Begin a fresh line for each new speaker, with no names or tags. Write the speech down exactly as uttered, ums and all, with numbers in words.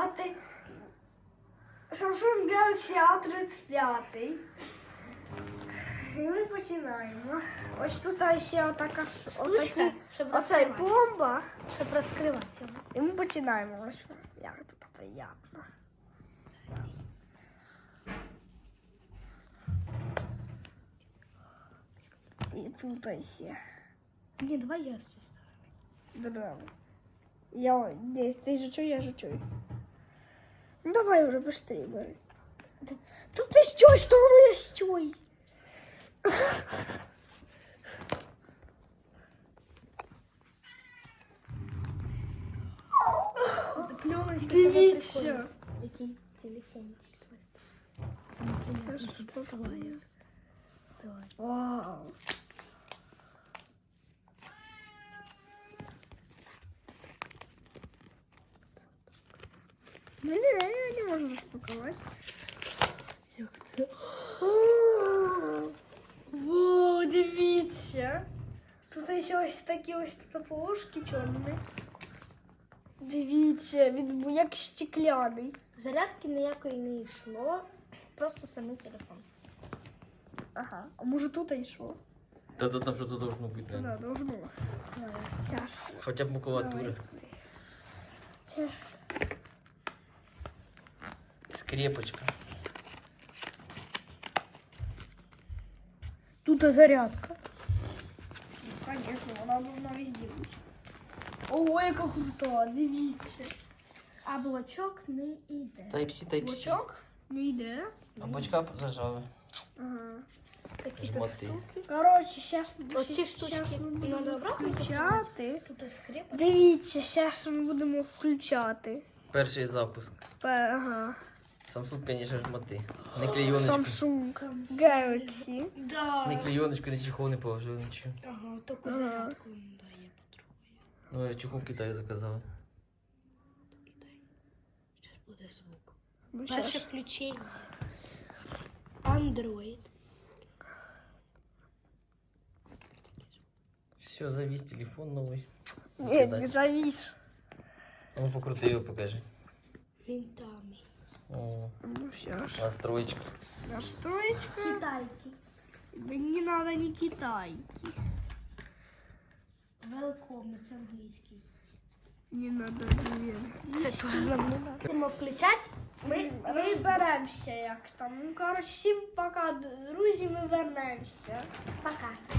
п'ять. Samsung Galaxy А тридцять п'ять. І ми починаємо. Ось тут ще така
Штучка, щоб
оцей
розкривати.
пломба.
Щоб розкривати його.
І ми починаємо. Ось як тут приємно. І тут ще.
Ні, давай я щось ставлю.
Драмо. Я здесь. Ты же чуй, я же чуй. Ну давай уже быстрее бери. Тут ты что, что у меня чуй?
Пленочка.
Дивіться.
Який телефон? Давай.
Вау. Не, не, не, не можна розпакувати.
Як це?
Во, дивіться. Тут ще ось такі ось полошки чорні. Дивіться, він як стекляний.
Зарядки ніякої не йшло. Просто самий телефон.
Ага, а може тут і йшло?
Та-та там що-то должно бути.
Да,
наверное.
должно.
Давай.
Сейчас.
Хоча б макулатура. Скрепочка.
Тут зарядка. Конечно, вона должна везде бути. Ого, яка крута, дивіться.
А блочок не йде.
Type-C, Type-C.
Блочок не йде.
А бочка зажали.
Ага.
Такі
Жмоти.
Коротше, зараз
Оці штучки
ми будемо
надо обратно
включати.
Тут ось скрепочка.
Дивіться, зараз ми будемо включати.
Перший запуск.
Пе- Ага.
Samsung, конечно, жмоти. Не клейоночку.
Samsung Galaxy.
Да.
Не клейоночку, не чехол не положили, нічого.
Ага, таку
Ага.
зарядку не дає потроху.
Ну, я чехол в Китаї заказав.
Зараз буде звук.
Ну,
Перше
щас.
включення. Android.
Все, завис телефон новий.
Ні, не завис.
А ну покрути його, покажи.
Винтами.
О,
Ну, сейчас.
настроечка.
Настроечка.
Китайки.
Да не надо не китайки.
Welcome, це англійський.
Не надо, блин.
Це теж нам не надо. Будемо включати.
Ми, ми беремося як там. Ну, коротше, всім пока, друзі, ми вернемося.
Пока.